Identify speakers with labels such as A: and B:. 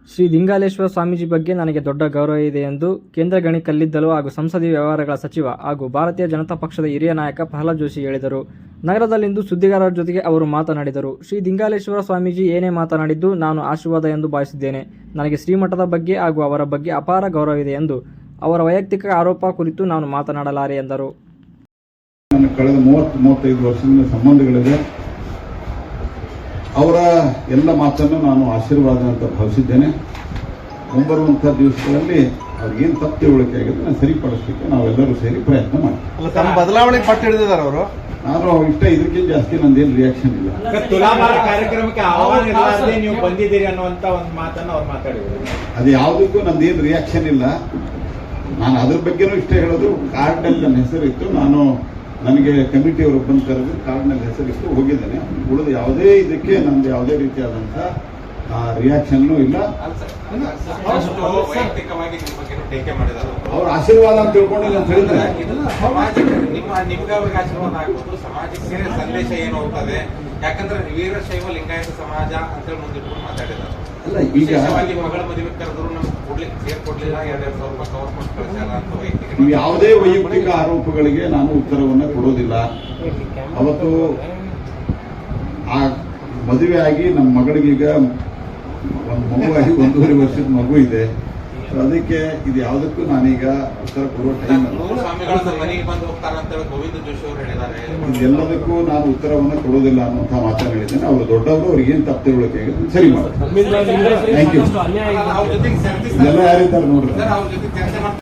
A: ಶ್ರೀ ದಿಂಗಾಲೇಶ್ವರ ಸ್ವಾಮೀಜಿ ಬಗ್ಗೆ ನನಗೆ ದೊಡ್ಡ ಗೌರವ ಇದೆ ಎಂದು ಕೇಂದ್ರ ಗಣಿ ಕಲ್ಲಿದ್ದಲು ಹಾಗೂ ಸಂಸದೀಯ ವ್ಯವಹಾರಗಳ ಸಚಿವ ಹಾಗೂ ಭಾರತೀಯ ಜನತಾ ಪಕ್ಷದ ಹಿರಿಯ ನಾಯಕ ಪ್ರಹ್ಲಾದ್ ಜೋಶಿ ಹೇಳಿದರು. ನಗರದಲ್ಲಿಂದು ಸುದ್ದಿಗಾರರ ಜೊತೆಗೆ ಅವರು ಮಾತನಾಡಿದರು. ಶ್ರೀ ದಿಂಗಾಲೇಶ್ವರ ಸ್ವಾಮೀಜಿ ಏನೇ ಮಾತನಾಡಿದ್ದು ನಾನು ಆಶೀರ್ವಾದ ಎಂದು ಭಾವಿಸಿದ್ದೇನೆ. ನನಗೆ ಶ್ರೀಮಠದ ಬಗ್ಗೆ ಹಾಗೂ ಅವರ ಬಗ್ಗೆ ಅಪಾರ ಗೌರವವಿದೆ ಎಂದು ಅವರ ವೈಯಕ್ತಿಕ ಆರೋಪ ಕುರಿತು ನಾನು ಮಾತನಾಡಲಾರೆ ಎಂದರು.
B: ಕಳೆದ 30-35 ವರ್ಷದಿಂದ ಸಂಬಂಧಗಳಿದೆ. ಅವರ ಎಲ್ಲ ಮಾತನ್ನು ನಾನು ಆಶೀರ್ವಾದ ಅಂತ ಭಾವಿಸಿದ್ದೇನೆ. ಮುಂಬರುವಂತಹ ದಿವಸಗಳಲ್ಲಿ ಅವ್ರಿಗೇನು ತಪ್ಪು ತಿಳುವಳಿಕೆ ಆಗಿದೆ ನಾನು ಸರಿಪಡಿಸಲಿಕ್ಕೆ ನಾವೆಲ್ಲರೂ ಸೇರಿ ಪ್ರಯತ್ನ ಮಾಡ್ತೀವಿ.
C: ತಮ್ಮ ಬದಲಾವಣೆ ಪಟ್ಟು ಹಿಡಿದಿದ್ದಾರೆ ಅವರು.
B: ನಾನು ಇಷ್ಟ ಇದಕ್ಕಿಂತ ಜಾಸ್ತಿ ನಂದೇನು ರಿಯಾಕ್ಷನ್ ಇಲ್ಲ.
D: ತುಲಾಭಾರ ಕಾರ್ಯಕ್ರಮಕ್ಕೆ ಆಹ್ವಾನ ಇರಲಾರದೆ ನೀವು ಬಂದಿದ್ದೀರಿ ಅನ್ನುವಂತ ಒಂದು ಮಾತನ್ನು ಅವ್ರು ಮಾತಾಡಿದ್ರು.
B: ಅದು ಯಾವುದಕ್ಕೂ ನಂದೇನು ರಿಯಾಕ್ಷನ್ ಇಲ್ಲ. ನಾನು ಅದ್ರ ಬಗ್ಗೆನೂ ಇಷ್ಟ ಹೇಳೋದು. ಕಾರ್ಡ್ನಲ್ಲಿ ನನ್ನ ಹೆಸರಿತ್ತು. ನನಗೆ ಕಮಿಟಿಯವರು ಬಂದು ಕರೆದು ಕಾರ್ಡ್ನಲ್ಲಿ ಹೆಸರಿಟ್ಟು ಹೋಗಿದ್ದೇನೆ. ಉಳಿದು ಯಾವುದೇ ಇದಕ್ಕೆ ನಂದು ಯಾವುದೇ ರೀತಿಯಾದಂಥ ರಿಯಾಕ್ಷನ್ನೂ ಇಲ್ಲ. ಅವ್ರ ಆಶೀರ್ವಾದ ಅಂತ ತಿಳ್ಕೊಂಡು ನಾನು ಹೇಳಿದ್ರೆ
E: ನಿಮ್ಗೆ ಅವ್ರಿಗೆ ಆಶೀರ್ವಾದ ಆಗ್ಬೋದು. ಸಮಾಜಕ್ಕೆ ಸಂದೇಶ ಏನು ಹೋಗ್ತದೆ? ಯಾಕಂದ್ರೆ ವೀರಶೈವ ಲಿಂಗಾಯತ ಸಮಾಜ ಅಂತೇಳಿ ಮುಂದಿಟ್ಕೊಂಡು ಮಾತಾಡಿದ್ದಾರೆ.
B: ಅಲ್ಲ, ಈಗ
E: ಮಗಳ ಮದುವೆ ಕರೆದ್ರು ನಮ್ಗೆ ಸೇರ್ಕೊಡ್ಲಿಲ್ಲ, 2,000 ರೂಪಾಯಿ ಗವರ್ಮೆಂಟ್ ಕಳಿಸಲ್ಲ ಅಂತ ವೈಯಕ್ತಿಕ
B: ಯಾವುದೇ ವೈಯಕ್ತಿಕ ಆರೋಪಗಳಿಗೆ ನಾನು ಉತ್ತರವನ್ನು ಕೊಡೋದಿಲ್ಲ. ಅವತ್ತು ಆ ಮದುವೆ ಆಗಿ ನಮ್ಮ ಮಗಳಿಗೀಗ ಒಂದು ಮಗುವಾಗಿ 1.5 ವರ್ಷದ ಮಗು ಇದೆ. ಅದಕ್ಕೆ ಇದು ಯಾವುದಕ್ಕೂ ನಾನೀಗ ಉತ್ತರ ಕೊಡುವ ಟೈಮ್ ಅಲ್ಲ.
E: ಸ್ವಾಮಿಗಳನ್ನ ಮನೆಗೆ ಬಂದು ಹೋಗ್ತಾರಂತ ಗೋವಿಂದ ಜೋಶಿ ಅವರು ಹೇಳಿದ್ದಾರೆ.
B: ಇದೆಲ್ಲದಕ್ಕೂ ನಾನು ಉತ್ತರವನ್ನು ಕೊಡೋದಿಲ್ಲ ಅನ್ನುವಂಥ ಮಾತನ್ನು ಹೇಳಿದ್ದೇನೆ. ಅವರು ದೊಡ್ಡವರು, ಅವ್ರಿಗೇನು ತಪ್ಪು ತಿಳುವಳಿಕೆ ಆಗಿದೆ ಸರಿ ಮಾಡಿ. Thank you.
E: ಅವ್ರ ಜೊತೆಗೆ
B: ಎಲ್ಲ ಯಾರಿದ್ದಾರೆ ನೋಡ್ರಿ.
E: ಅವ್ರ ಜೊತೆ ಚರ್ಚೆ